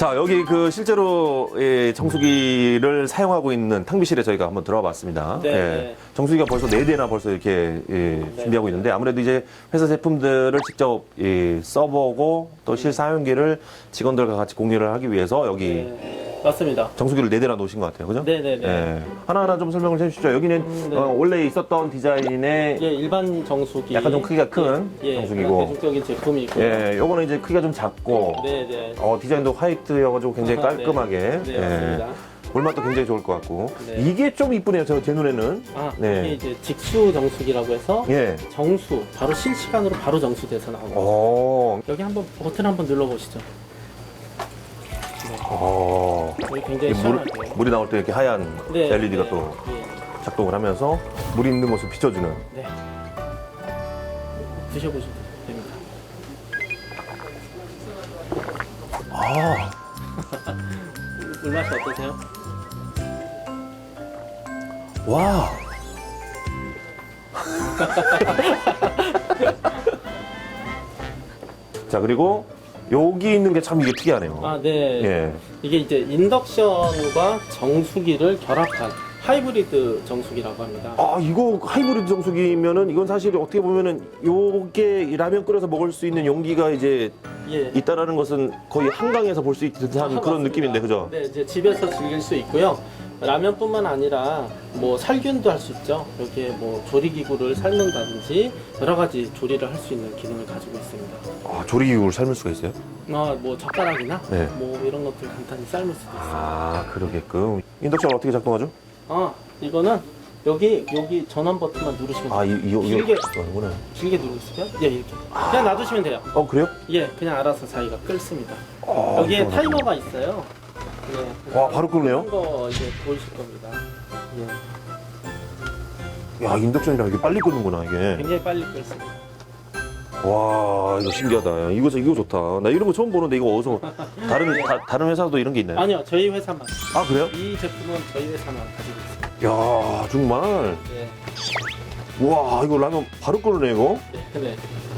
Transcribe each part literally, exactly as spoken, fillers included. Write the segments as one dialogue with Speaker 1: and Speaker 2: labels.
Speaker 1: 자, 여기 그 실제로 예, 정수기를 사용하고 있는 탕비실에 저희가 한번 들어와 봤습니다.
Speaker 2: 네.
Speaker 1: 예, 정수기가 벌써 네 대나 벌써 이렇게 예, 준비하고 있는데 아무래도 이제 회사 제품들을 직접 예, 써보고 또 실사용기를 직원들과 같이 공유를 하기 위해서 여기
Speaker 2: 네, 맞습니다.
Speaker 1: 정수기를 네 대나 놓으신 것 같아요. 그죠?
Speaker 2: 네네네.
Speaker 1: 예, 하나하나 좀 설명을 해주시죠. 여기는
Speaker 2: 음, 네.
Speaker 1: 어, 원래 있었던 디자인의
Speaker 2: 예, 일반 정수기.
Speaker 1: 약간 좀 크기가 큰
Speaker 2: 예,
Speaker 1: 정수기고.
Speaker 2: 예, 대중적인 제품이고요.
Speaker 1: 예, 요거는 이제 크기가 좀 작고
Speaker 2: 네네.
Speaker 1: 어, 디자인도 화이트여가지고 굉장히
Speaker 2: 아하,
Speaker 1: 깔끔하게
Speaker 2: 네, 네, 맞습니다.
Speaker 1: 물맛도 굉장히 좋을 것 같고
Speaker 2: 네.
Speaker 1: 이게 좀 이쁘네요. 저 제 눈에는.
Speaker 2: 아,
Speaker 1: 네.
Speaker 2: 이게 이제 직수 정수기라고 해서
Speaker 1: 예.
Speaker 2: 정수, 바로 실시간으로 바로 정수돼서 나오고.
Speaker 1: 어.
Speaker 2: 여기 한번 버튼 한번 눌러보시죠.
Speaker 1: 어.
Speaker 2: 여기
Speaker 1: 이게
Speaker 2: 굉장히
Speaker 1: 물,
Speaker 2: 시원하게.
Speaker 1: 물이 나올 때 이렇게 하얀
Speaker 2: 네,
Speaker 1: 엘이디가
Speaker 2: 네,
Speaker 1: 또
Speaker 2: 네,
Speaker 1: 작동을 하면서 물이 있는 모습 비춰주는.
Speaker 2: 네. 드셔보셔도 됩니다.
Speaker 1: 아.
Speaker 2: 물맛이 어떠세요?
Speaker 1: 와. 자, 그리고 여기 있는 게 참 이게 특이하네요.
Speaker 2: 아, 네.
Speaker 1: 예.
Speaker 2: 이게 이제 인덕션과 정수기를 결합한 하이브리드 정수기라고 합니다.
Speaker 1: 아, 이거 하이브리드 정수기면은 이건 사실 어떻게 보면은 요게 라면 끓여서 먹을 수 있는 용기가 이제
Speaker 2: 예.
Speaker 1: 있다라는 것은 거의 한강에서 볼 수 있는 듯한
Speaker 2: 아,
Speaker 1: 그런
Speaker 2: 맞습니다.
Speaker 1: 느낌인데, 그죠?
Speaker 2: 네, 이제 집에서 즐길 수 있고요. 라면뿐만 아니라 뭐 살균도 할 수 있죠. 여기에 뭐 조리기구를 삶는다든지 여러 가지 조리를 할 수 있는 기능을 가지고 있습니다.
Speaker 1: 아, 조리기구를 삶을 수가 있어요?
Speaker 2: 아, 뭐 젓가락이나
Speaker 1: 네.
Speaker 2: 뭐 이런 것들 간단히 삶을 수도 있어요.
Speaker 1: 아, 그러게끔. 인덕션 어떻게 작동하죠?
Speaker 2: 아, 이거는 여기 여기 전원 버튼만 누르시면 돼요.
Speaker 1: 아, 이, 이, 이거
Speaker 2: 길게
Speaker 1: 하는구나.
Speaker 2: 길게 누르시면 예, 이렇게 그냥 놔두시면 돼요.
Speaker 1: 어, 그래요?
Speaker 2: 예, 그냥 알아서 자기가 끓습니다.
Speaker 1: 아,
Speaker 2: 여기에
Speaker 1: 이거
Speaker 2: 타이머가 있어요. 예.
Speaker 1: 와, 바로 끓네요?
Speaker 2: 거 이제 보이실 겁니다. 예.
Speaker 1: 야, 인덕션이라 이게 빨리 끓는구나, 이게.
Speaker 2: 굉장히 빨리 끓습니다.
Speaker 1: 와, 이거 신기하다. 이거, 이거 좋다. 나 이런 거 처음 보는데 이거 어디서 다른, 다, 다른 회사도 이런 게 있나요?
Speaker 2: 아니요, 저희 회사만.
Speaker 1: 아, 그래요?
Speaker 2: 이 제품은 저희 회사만 가지고 있습니다.
Speaker 1: 야, 정말.
Speaker 2: 네.
Speaker 1: 와, 이거 라면 바로 끓네, 이거.
Speaker 2: 네. 네.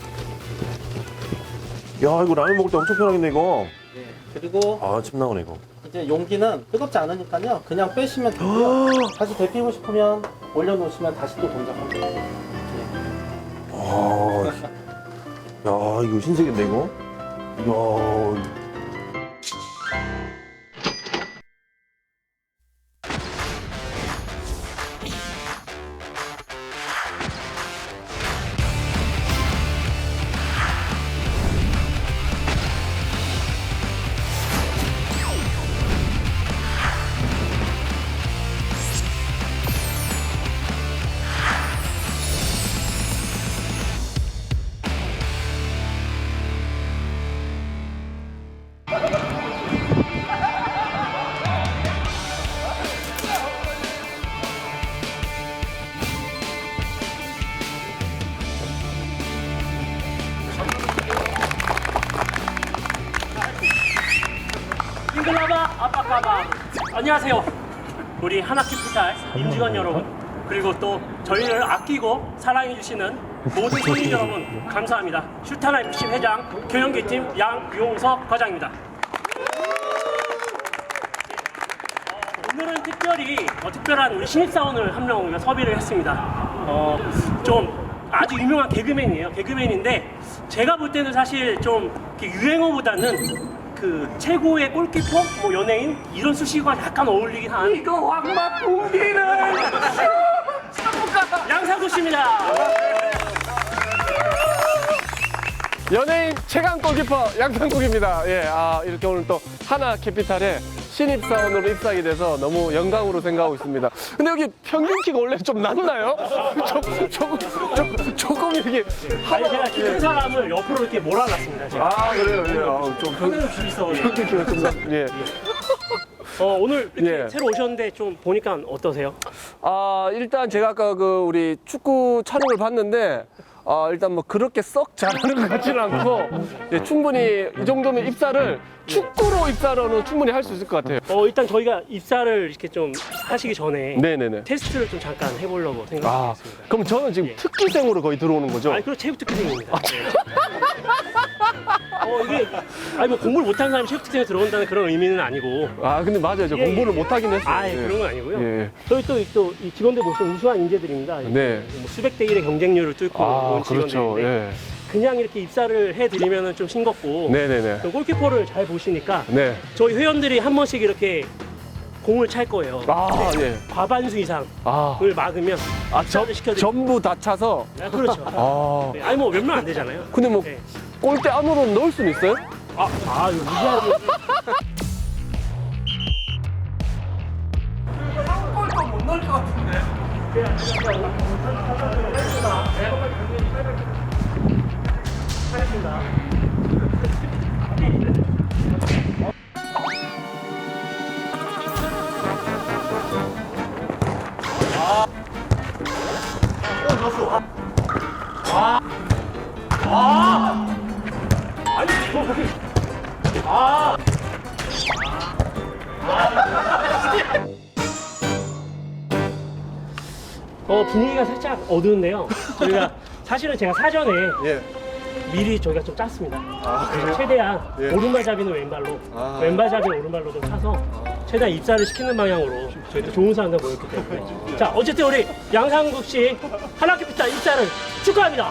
Speaker 1: 야, 이거 라면 먹을 때 엄청 편하겠네, 이거.
Speaker 2: 네. 그리고
Speaker 1: 아, 침 나오네, 이거.
Speaker 2: 이제 용기는 뜨겁지 않으니까요. 그냥 빼시면 되고요. 다시 데피고 싶으면 올려놓으시면 다시 또 동작합니다. 네.
Speaker 1: 아, 야, 이거 신세계인데, 이거? 이야.
Speaker 3: 싱글라바 아빠까바 안녕하세요. 우리 하나캐피탈 임직원 여러분, 그리고 또 저희를 아끼고 사랑해주시는 모든 손님 여러분 감사합니다. 슈타나 에프씨 회장 경영기팀 양용석 과장입니다. 어, 오늘은 특별히 어, 특별한 우리 신입사원을 한 명 섭외를 했습니다. 어, 좀 아주 유명한 개그맨이에요. 개그맨인데 제가 볼 때는 사실 좀 이렇게 유행어보다는 그 최고의 골키퍼, 뭐 연예인 이런 수식어가 약간 어울리긴 한 이거 황마 붕기는 양상도 씨입니다.
Speaker 4: 연예인 최강 골키퍼 양상국입니다. 예, 아, 이렇게 오늘 또 하나 캐피탈에 신입사원으로 입사하게 돼서 너무 영광으로 생각하고 있습니다. 근데 여기 평균 키가 원래 좀 낮나요? 조, 조금, 조, 조금 이렇게.
Speaker 3: 아니 제가 키큰 사람을 옆으로 이렇게 몰아놨습니다. 제가.
Speaker 4: 아, 그래요, 그래요. 좀 평,
Speaker 3: 평균 있어.
Speaker 4: 평균 키가 좀 낮, 예.
Speaker 3: 어, 오늘 이렇게
Speaker 4: 예.
Speaker 3: 새로 오셨는데 좀 보니까 어떠세요?
Speaker 4: 아, 일단 제가 아까 그 우리 축구 촬영을 봤는데, 아, 일단 뭐 그렇게 썩 잘하는 것 같지는 않고, 예, 충분히 이 정도면 입사를 축구로 입사로는 충분히 할 수 있을 것 같아요.
Speaker 3: 어, 일단 저희가 입사를 이렇게 좀 하시기 전에
Speaker 4: 네네네.
Speaker 3: 테스트를 좀 잠깐 해보려고
Speaker 4: 아,
Speaker 3: 생각했습니다.
Speaker 4: 그럼 저는 지금
Speaker 3: 예.
Speaker 4: 특기생으로 거의 들어오는 거죠?
Speaker 3: 아니, 그리고 체육 특기생입니다. 네. 어, 이게, 아니, 뭐 공부를 못하는 사람이 체육특전에 들어온다는 그런 의미는 아니고.
Speaker 4: 아 근데 맞아요. 저
Speaker 3: 예,
Speaker 4: 공부를
Speaker 3: 예.
Speaker 4: 못하긴 했어요.
Speaker 3: 아, 예, 그런 건 아니고요.
Speaker 4: 예.
Speaker 3: 저희 또, 또, 이 직원들 보시면 우수한 인재들입니다.
Speaker 4: 네.
Speaker 3: 뭐 수백 대 일의 경쟁률을 뚫고
Speaker 4: 아
Speaker 3: 온
Speaker 4: 그렇죠.
Speaker 3: 직원들인데
Speaker 4: 예.
Speaker 3: 그냥 이렇게 입사를 해드리면 좀 싱겁고.
Speaker 4: 네네네.
Speaker 3: 또 골키퍼를 잘 보시니까
Speaker 4: 네.
Speaker 3: 저희 회원들이 한 번씩 이렇게 공을 찰 거예요.
Speaker 4: 아 예.
Speaker 3: 과반수 이상을
Speaker 4: 아.
Speaker 3: 막으면
Speaker 4: 아 저,
Speaker 3: 입사를 시켜드리고.
Speaker 4: 전부 다 차서.
Speaker 3: 아, 그렇죠.
Speaker 4: 아.
Speaker 3: 네, 아니 뭐 몇 명 안 되잖아요.
Speaker 4: 근데 뭐
Speaker 3: 네.
Speaker 4: 골대 안으로 넣을 수는 있어요?
Speaker 3: 아, 아 이거 무시하게. 어 분위기가 살짝 어두운데요. 저희가 사실은 제가 사전에
Speaker 4: 예.
Speaker 3: 미리 저희가 좀 짰습니다.
Speaker 4: 아, 그래요?
Speaker 3: 최대한
Speaker 4: 예.
Speaker 3: 오른발잡이는 왼발로,
Speaker 4: 아.
Speaker 3: 왼발잡이는 오른발로 좀 차서 최대한 입사를 시키는 방향으로 저희도 좋은 사람들 모였기 때문에. 자, 어쨌든 우리 양상국 씨 하나캐피탈 입사를 축하합니다.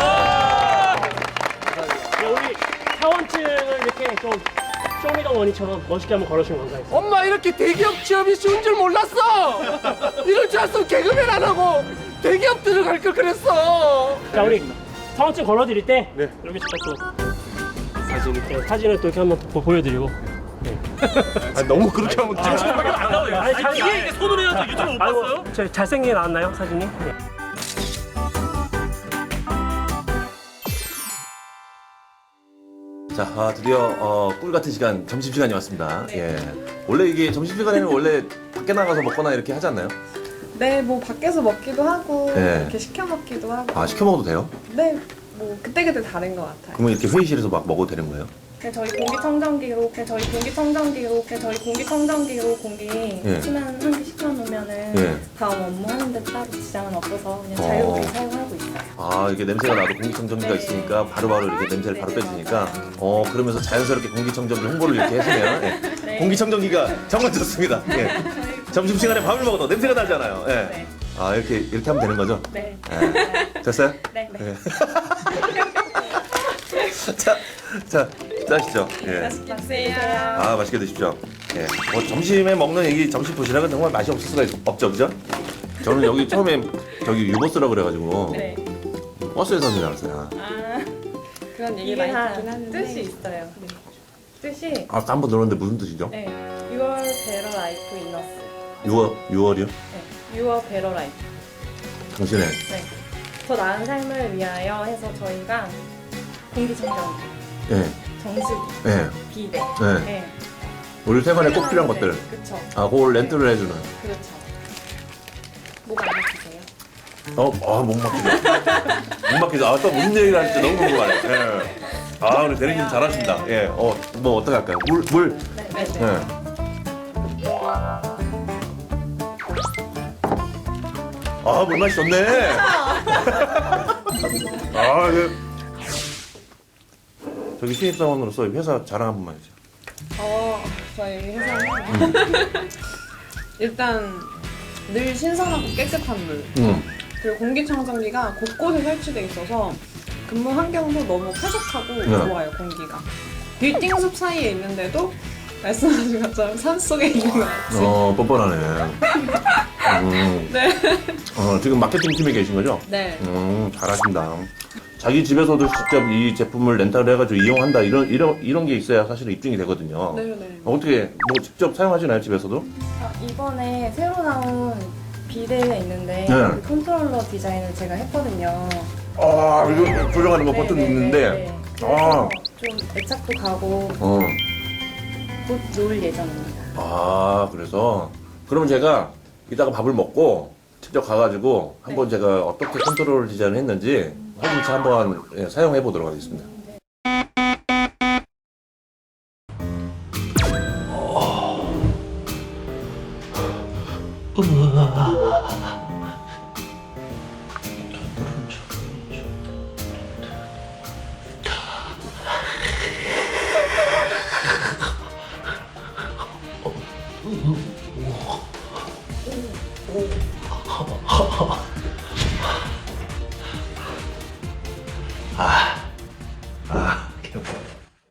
Speaker 3: 네, 우리 사원증을 이렇게 좀 쇼미더머니처럼 멋있게 한번 걸어주면 감사하겠습니다.
Speaker 4: 엄마 이렇게 대기업 취업이 쉬운 줄 몰랐어. 이럴 줄 알았으면 개그맨 안 하고 대기업 들어갈 걸 그랬어.
Speaker 3: 자, 우리 사원증 걸어드릴 때
Speaker 4: 네.
Speaker 3: 이렇게 또 사진 이렇게 사진을 또 이렇게 한번 또 보여드리고.
Speaker 4: 아, 너무 그렇게 하면 찍을 수밖에 안 나와요.
Speaker 3: 아니, 잘,
Speaker 5: 이게 이게 손으로 해서 유튜브 못
Speaker 3: 아이고,
Speaker 5: 봤어요?
Speaker 3: 저 잘생기게 나왔나요 사진이? 네.
Speaker 1: 자, 아, 드디어 어, 꿀 같은 시간, 점심 시간이 왔습니다. 예. 원래 이게 점심 시간에는 원래 밖에 나가서 먹거나 이렇게 하지 않나요?
Speaker 6: 네, 뭐 밖에서 먹기도 하고
Speaker 1: 네.
Speaker 6: 이렇게 시켜 먹기도 하고.
Speaker 1: 아, 시켜 먹어도 돼요?
Speaker 6: 네, 뭐 그때그때 다른 것 같아요.
Speaker 1: 그러면 이렇게 회의실에서 막 먹어도 되는 거예요?
Speaker 6: 그냥 저희 공기청정기로, 그냥 저희 공기청정기로, 그냥 저희 공기청정기로 공기
Speaker 1: 예.
Speaker 6: 순한 한 개 시켜놓으면은
Speaker 1: 예.
Speaker 6: 다음 업무하는데 따로 지장은 없어서 그냥
Speaker 1: 어.
Speaker 6: 자유롭게 사용하고 있어요.
Speaker 1: 아, 이게 냄새가 나도 공기청정기가
Speaker 6: 네.
Speaker 1: 있으니까 바로바로 이렇게 냄새를
Speaker 6: 네,
Speaker 1: 바로
Speaker 6: 네,
Speaker 1: 빼주니까
Speaker 6: 맞아요.
Speaker 1: 어, 그러면서 자연스럽게 공기청정기 홍보를 이렇게 해주면 예.
Speaker 6: 네.
Speaker 1: 공기청정기가 정말 좋습니다. 예. 점심시간에 밥을 먹어도 냄새가 나잖아요. 예.
Speaker 6: 네.
Speaker 1: 아, 이렇게 이렇게 하면 되는 거죠?
Speaker 6: 네.
Speaker 1: 예. 됐어요?
Speaker 6: 네. 네.
Speaker 1: 예. 자, 자, 짜시죠. 예.
Speaker 6: 맛있세요.
Speaker 1: 아, 맛있게 드십시오. 예. 뭐 점심에 먹는 이 점심 도시락은 정말 맛이 없을 수가 있- 없죠, 그죠? 저는 여기 처음에 저기 유버스라 그래가지고
Speaker 6: 네.
Speaker 1: 버스에서 줄 알았어요.
Speaker 6: 아, 그런 얘기
Speaker 7: 이게
Speaker 6: 많이
Speaker 7: 다
Speaker 6: 듣긴 하는데
Speaker 7: 뜻이 있어요.
Speaker 6: 네. 뜻이
Speaker 1: 아, 한 번 들었는데 무슨 뜻이죠?
Speaker 6: 네. 유월 베러 라이프 이너스.
Speaker 1: 유월, 유월이요?
Speaker 6: 네. 유월 베러 라이프.
Speaker 1: 당신의.
Speaker 6: 네. 더 나은 삶을 위하여 해서 저희가 공기청정기,
Speaker 1: 예.
Speaker 6: 정수기,
Speaker 1: 예.
Speaker 6: 비대,
Speaker 1: 예.
Speaker 6: 네.
Speaker 1: 우리 생활에 꼭 필요한 것들.
Speaker 6: 그렇죠.
Speaker 1: 아, 그걸 렌트를 해주는.
Speaker 6: 그렇죠. 목 안 막히세요?
Speaker 1: 어, 아, 목 막히죠. 목 막히죠. 아, 또 무슨 얘기를 할지 너무 궁금하네. 예. 아, 우리 대리님 잘하신다. 예. 어, 뭐 어떻게 할까요? 물, 물.
Speaker 6: 네, 네, 네.
Speaker 1: 예. 아, 물맛이 좋네. 아, 그. 저기 신입사원으로서 회사 자랑 한 번만 해주세요.
Speaker 7: 어, 저희 회사는 일단 늘 신선하고 깨끗한 물,
Speaker 1: 음.
Speaker 7: 그리고 공기청정기가 곳곳에 설치돼 있어서 근무 환경도 너무 쾌적하고
Speaker 1: 네.
Speaker 7: 좋아요, 공기가. 빌딩 숲 사이에 있는데도 말씀하신 것처럼 산 속에 있는 것 같이.
Speaker 1: 어, 뻔뻔하네. 음.
Speaker 7: 네.
Speaker 1: 어, 지금 마케팅 팀에 계신 거죠?
Speaker 7: 네.
Speaker 1: 음, 잘하신다. 자기 집에서도 직접 이 제품을 렌탈을 해가지고 이용한다 이런 이런 이런 게 있어야 사실 입증이 되거든요.
Speaker 7: 네네.
Speaker 1: 어, 어떻게 뭐 직접 사용하시나요 집에서도?
Speaker 6: 아, 이번에 새로 나온 비대가 있는데
Speaker 1: 네.
Speaker 6: 그 컨트롤러 디자인을 제가 했거든요.
Speaker 1: 아, 이거 조정하는 거 버튼
Speaker 6: 네, 네,
Speaker 1: 있는데.
Speaker 6: 네, 네.
Speaker 1: 아,
Speaker 6: 그래서 좀 애착도 가고
Speaker 1: 어,
Speaker 6: 곧 놓을 예정입니다.
Speaker 1: 아, 그래서 그러면 제가 이따가 밥을 먹고 직접 가가지고 한번 제가 어떻게 컨트롤 디자인을 했는지 확인차 한번 예, 사용해 보도록 하겠습니다.
Speaker 3: 오. 오.